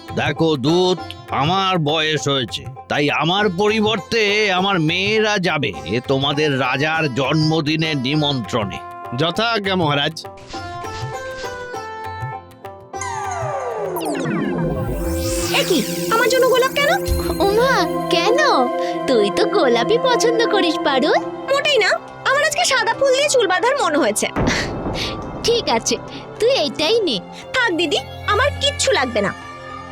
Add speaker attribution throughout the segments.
Speaker 1: দেখো দূত, আমার বয়স হয়েছে, তাই আমার পরিবর্তে আমার মেয়েরা যাবে তোমাদের রাজার জন্মদিনের নিমন্ত্রণে।
Speaker 2: যথাজ্ঞা মহারাজ।
Speaker 3: একই আমার জন্য গোলাপ কেন?
Speaker 4: ওমা, কেন? তুই তো গোলাপি পছন্দ করিস পারুল।
Speaker 3: মোটেই না, আমার আজকে সাদা ফুল দিয়ে চুল বাঁধার মন হয়েছে।
Speaker 4: ঠিক আছে, তুই এইটাই নে।
Speaker 3: থাক দিদি, আমার কিচ্ছু লাগবে না।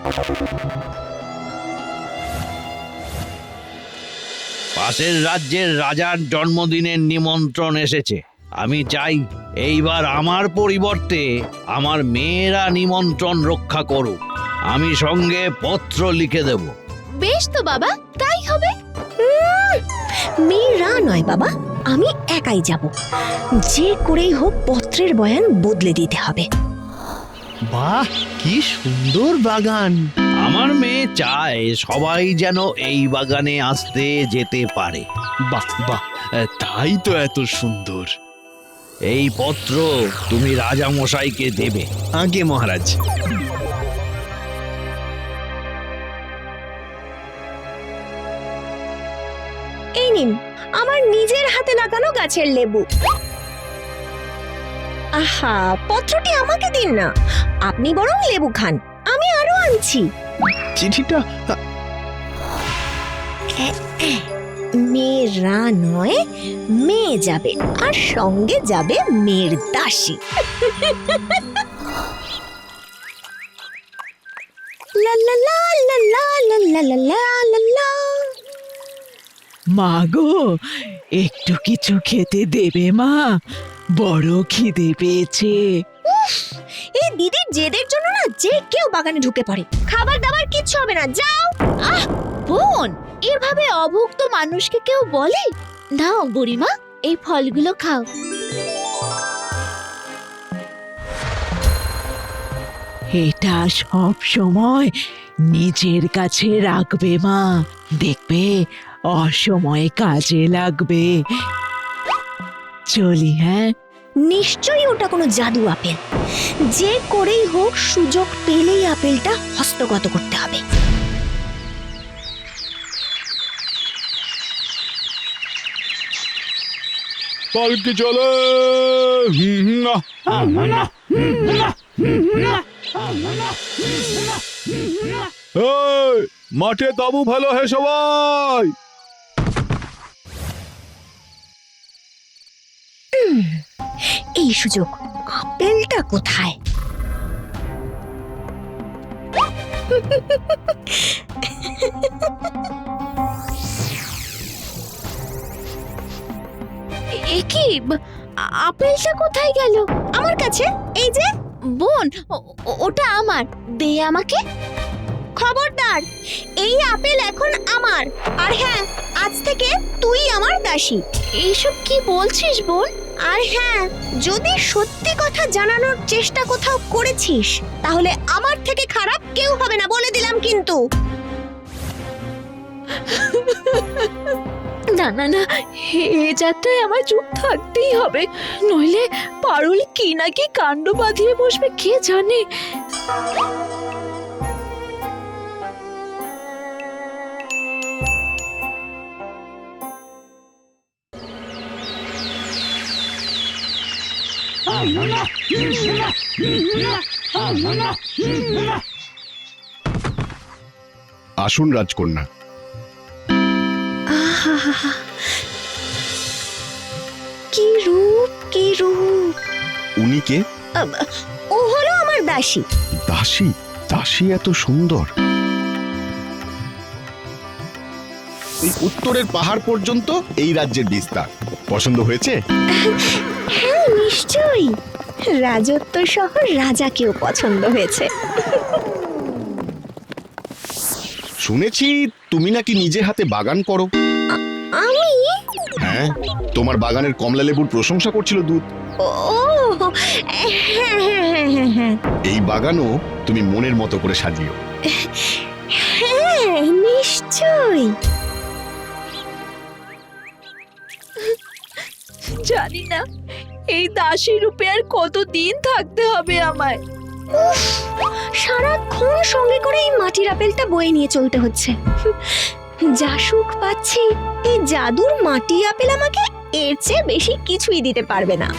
Speaker 1: পাশের রাজ্যের রাজার জন্মদিনের নিমন্ত্রণ এসেছে। আমি চাই এইবার আমার পরিবর্তে আমার মেয়েরা নিমন্ত্রণ রক্ষা করুক। আমি সঙ্গে পত্র লিখে দেব।
Speaker 4: বেশ তো বাবা, তাই হবে।
Speaker 3: মেয়েরা নয় বাবা, আমি একাই যাব। যে করেই হোক পত্রের বয়ান বদলে দিতে হবে।
Speaker 2: বাহ, কি সুন্দর বাগান!
Speaker 1: আমার মেয়ে চায় সবাই যেন এই বাগানে আসতে যেতে পারে।
Speaker 2: বাহ বাহ, তাই তো এত সুন্দর।
Speaker 1: এই পত্র তুমি রাজামশাইকে দেবে।
Speaker 2: আগে মহারাজ।
Speaker 3: এই নিন আমার নিজের হাতে লাগানো গাছের লেবু। আহা, পত্রটি আমাকে দিন না, আপনি বরং লেবু খান, আমি আরো আনছি।
Speaker 2: চিঠিটা
Speaker 3: মেয়েরা নয়, মেয়ে যাবে, আর সঙ্গে যাবে মেয়ের দাসী। লা লা লা লা লা লা লা লা লা লা লা।
Speaker 5: মা গো, একটু কিছু খেতে দেবে মা? বড় খিদে পেয়েছে।
Speaker 3: এই দিদির জেদের জন্য না যে কেউ বাগানে ঢুকে পড়ে। খাবার দাবার কিচ্ছু হবে না, যাও।
Speaker 4: আহ বোন, এভাবে অভুক্ত মানুষকে কেউ বলে? নাও বুড়িমা, এই ফলগুলো খাও।
Speaker 5: এটা সব সময় নিজের কাছে রাখবে মা, দেখবে অসময়ে কাজে লাগবে। চলি হ্যাঁ।
Speaker 3: নিশ্চয়ই ওটা কোনো জাদু আপেল। যে করেই হোক সুযোগ পেলেই আপেলটা হস্তগত করতে হবে।
Speaker 2: পালকি চলে। মাঠে তাবু ভালো হে সবাই।
Speaker 3: এই সুযোগ, আপেলটা কোথায়?
Speaker 4: কি আপেলটা কোথায় গেল?
Speaker 3: আমার কাছে, এই যে।
Speaker 4: বোন, ওটা আমার, দে আমাকে।
Speaker 3: খবরদার, এই আপেল এখন আমার, আর হ্যাঁ, আজ থেকে তুই আমার দাসী।
Speaker 4: এইসব কি বলছিস বোন?
Speaker 3: আর হ্যাঁ, যদি সত্যি কথা জানানোর চেষ্টা কোথাও করেছিস, তাহলে আমার থেকে খারাপ কেউ হবে না, বলে দিলাম কিন্তু।
Speaker 4: না না না, এ যাত্রায় আমার চুপ থাকতেই হবে, নইলে পারুল কি না কি কাণ্ড বাঁধিয়ে বসবে কে জানে।
Speaker 6: আসুন রাজকন্যা।
Speaker 3: কি রূপ, কি রূপ!
Speaker 6: উনি কে?
Speaker 3: ও হলো আমার দাসী।
Speaker 6: দাসী? দাসী এত সুন্দর? এই উত্তরের পাহাড় পর্যন্ত এই রাজ্যের বিস্তার। পছন্দ হয়েছে?
Speaker 3: হ্যাঁ নিশ্চয়ই, রাজত্ব সহ রাজাকেও পছন্দ হয়েছে।
Speaker 6: শুনেছি তুমি নাকি নিজে হাতে বাগান করো।
Speaker 3: আমি?
Speaker 6: হ্যাঁ, তোমার বাগানের কমলা লেবুর প্রশংসা করছিল দূত।
Speaker 3: ও হ্যাঁ হ্যাঁ হ্যাঁ হ্যাঁ হ্যাঁ।
Speaker 6: এই বাগানও তুমি মনের মতো করে সাজিও।
Speaker 3: হ্যাঁ নিশ্চয়ই।
Speaker 5: জানি না এই দাসী রূপে আর কতদিন থাকতে হবে আমায়।
Speaker 3: উফ, সারাক্ষণ সঙ্গে করে এই মাটির আপেলটা বয়ে নিয়ে চলতে হচ্ছে। যা সুখ পাচ্ছি, এই জাদুর মাটি আপেল আমাকে এর চেয়ে বেশি কিছুই দিতে পারবে না।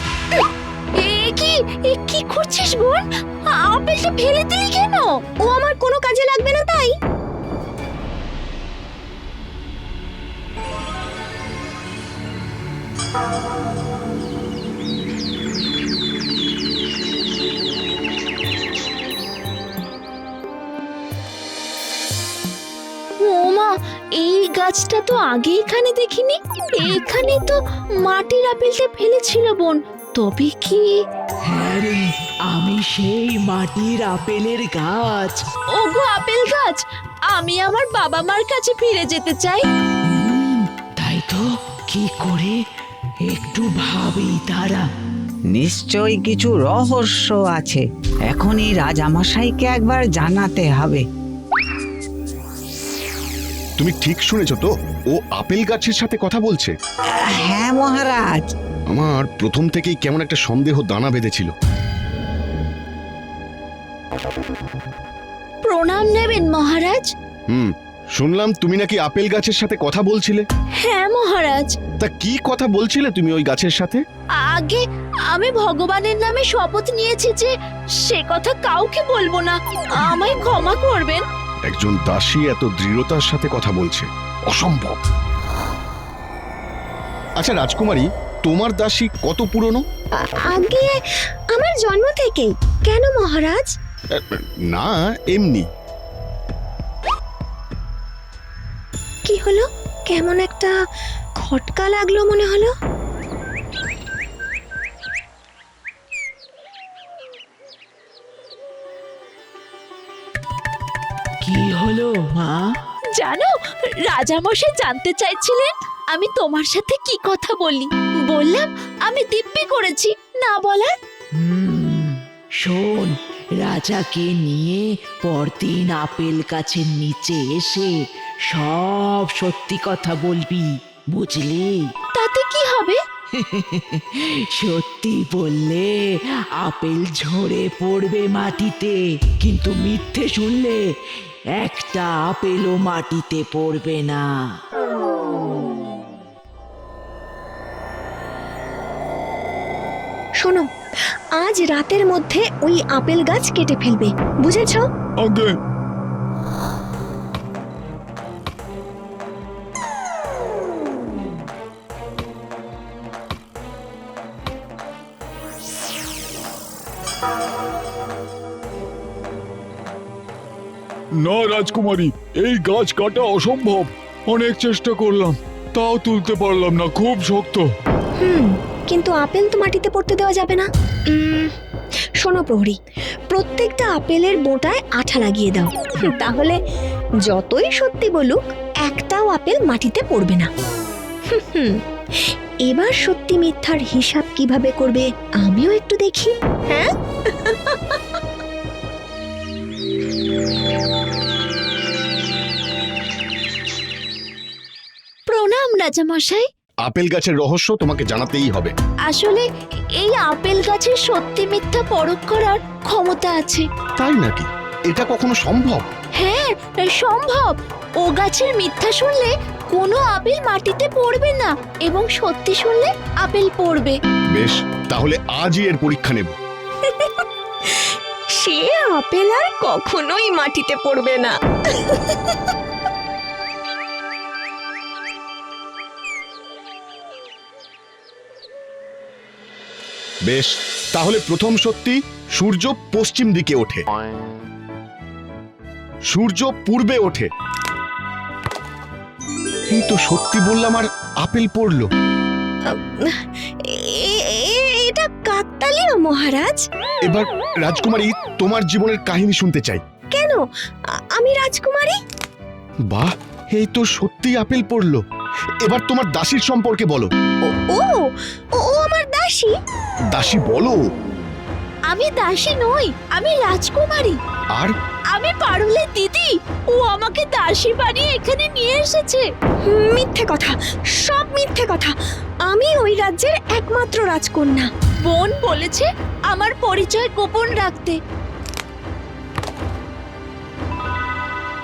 Speaker 4: এ কি করছিস বোন? আপেলটা ফেলে দিলি কেন?
Speaker 3: ও আমার কোনো কাজে লাগবে না তাই।
Speaker 4: ওমা, এই গাছটা তো আগে এখানে দেখিনি। এখানে তো মাটির আপেলটা ফেলেছিল বোন। তবে কি?
Speaker 5: হ্যাঁ রে, আমি সেই মাটির আপেলের গাছ।
Speaker 4: ওগো আপেল গাছ, আমি আমার বাবা মার কাছে ফিরে যেতে চাই।
Speaker 5: তাই তো, কি করে একটু ভাবি তারা।
Speaker 7: নিশ্চয়ই কিছু রহস্য আছে, এখনই রাজামশাইকে একবার জানাতে হবে।
Speaker 6: তুমি ঠিক শুনেছ তো? ও আপেল গাছের সাথে কথা বলছে।
Speaker 7: হ্যাঁ মহারাজ।
Speaker 6: আমার প্রথম থেকেই কেমন একটা সন্দেহ দানা বেঁধেছিল।
Speaker 4: প্রণাম নেবেন মহারাজ।
Speaker 6: শুনলাম তুমি নাকি আপেল গাছের সাথে কথা বলছিলে।
Speaker 4: হ্যাঁ মহারাজ।
Speaker 6: তা কি কথা বলছিলে তুমি ওই গাছের সাথে?
Speaker 4: আগে আমি ভগবানের নামে শপথ নিয়েছি যে সে কথা কাউকে বলবো না। আমায় ক্ষমা করবেন।
Speaker 6: একজন দাসী এত দৃঢ়তার সাথে কথা বলছে, অসম্ভব। আচ্ছা রাজকুমারী, তোমার দাসী কত পুরনো?
Speaker 3: আগে আমার জন্ম থেকেই। কেন মহারাজ?
Speaker 6: না, এমনি।
Speaker 3: কি হলো? কেমন একটা খটকা লাগলো মনে হলো।
Speaker 5: কি হলো মা?
Speaker 4: জানো, রাজামশাই জানতে চাইছিলেন আমি তোমার সাথে কি কথা বলি। বললাম আমি দিব্যি করেছি না বলার।
Speaker 5: শোন, রাজাকে নিয়ে পরদিন আপেল গাছের নিচে এসে সব সত্যি কথা বলবি, বুঝলি?
Speaker 4: তাতে কি হবে?
Speaker 5: সত্যি বললে আপেল ঝরে পড়বে মাটিতে, কিন্তু মিথ্যে শুনলে একটা আপেলও মাটিতে পড়বে না।
Speaker 3: শোনো, আজ রাতের মধ্যে ওই আপেল গাছ কেটে ফেলবে, বুঝেছো?
Speaker 6: আগে
Speaker 2: না রাজকুমারী, এই গাছ কাটা অসম্ভব। অনেক চেষ্টা করলাম, তাও তুলতে পারলাম না, খুব শক্ত।
Speaker 3: কিন্তু আপেল তো মাটিতে পড়তে দেওয়া যাবে না। শোনো প্রহরী, প্রত্যেকটা আপেলের বোঁটায় আঠা লাগিয়ে দাও, তাহলে যতই সত্যি বলুক একটাও আপেল মাটিতে পড়বে না। এবার সত্যি মিথ্যার হিসাব কিভাবে করবে আমিও একটু দেখি। হ্যাঁ,
Speaker 4: প্রণাম রাজামশাই।
Speaker 6: আপেল গাছের রহস্য তোমাকে জানাতেই হবে।
Speaker 4: আসলে এই আপেল গাছের সত্যি মিথ্যা পরখ করার ক্ষমতা আছে।
Speaker 6: তাই নাকি? এটা কখনো সম্ভব?
Speaker 4: হ্যাঁ সম্ভব। ও গাছের মিথ্যা শুনলে কোনো আপেল মাটিতে পড়বে না, এবং সত্যি শুনলে আপেল পড়বে।
Speaker 6: বেশ, তাহলে আজই এর পরীক্ষা নেব।
Speaker 3: সে আপেল আর কখনোই মাটিতে পড়বে না।
Speaker 6: বেশ, তাহলে প্রথম সত্যি, সূর্য পশ্চিম দিকে ওঠে, সূর্য পূর্বে ওঠে। এই তো সত্যি বললাম আর আপেল পড়লো।
Speaker 3: এটা কাকতালীয় মহারাজ।
Speaker 6: এবার রাজকুমারী, তোমার জীবনের কাহিনী শুনতে চাই।
Speaker 3: কেন? আমি রাজকুমারী?
Speaker 6: বাহ, এই তো সত্যি আপেল পড়লো। এবার তোমার দাসীর সম্পর্কে বলো।
Speaker 3: ও ও আমার দাসী?
Speaker 6: দাসী বলো।
Speaker 4: আমি দাসী নই, আমি রাজকুমারী।
Speaker 6: আর
Speaker 4: আমি পারুলের দিদি। ও আমাকে দাসী বানিয়ে এখানে নিয়ে এসেছে।
Speaker 3: মিথ্যে কথা, সব মিথ্যে কথা। আমি ওই রাজ্যের একমাত্র রাজকন্যা।
Speaker 4: বোন বলেছে আমার পরিচয় গোপন রাখতে।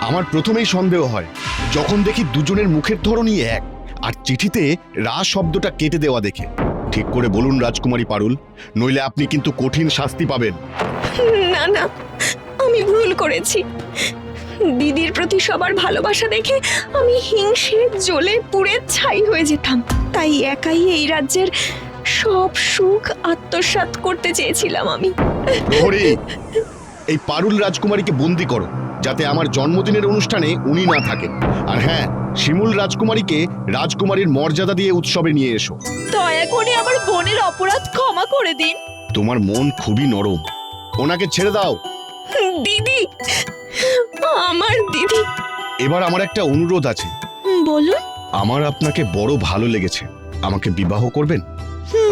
Speaker 6: আমার প্রথমেই সন্দেহ হয় যখন দেখি দুজনের মুখের ধরনই এক, আর চিঠিতে রা শব্দটা কেটে দেওয়া দেখে। ঠিক করে বলুন রাজকুমারী পারুল, নইলে আপনি কিন্তু কঠিন শাস্তি পাবেন।
Speaker 3: না না, আমি ভুল করেছি। দিদির প্রতি সবার ভালোবাসা দেখে আমি হিংসে জ্বলে পুড়ে ছাই হয়ে যেতাম। তাই একাই এই রাজ্যের সব সুখ আত্মসাৎ করতে চেয়েছিলাম আমি।
Speaker 6: প্রহরী, এই পারুল রাজকুমারীকে বন্দি করো, যাতে আমার জন্মদিনের অনুষ্ঠানে উনি না থাকেন। আর হ্যাঁ, শিমুল রাজকুমারীকে রাজকুমারীর মর্যাদা দিয়ে উৎসবে নিয়ে এসো।
Speaker 4: দয়া করে আমার বোনের অপরাধ ক্ষমা করে দিন।
Speaker 6: তোমার মন খুবই নরম, ওনাকে ছেড়ে দাও।
Speaker 3: দিদি, আমার দিদি।
Speaker 6: এবার আমার একটা অনুরোধ আছে।
Speaker 4: বলুন।
Speaker 6: আমার আপনাকে বড় ভালো লেগেছে, আমাকে বিবাহ করবেন?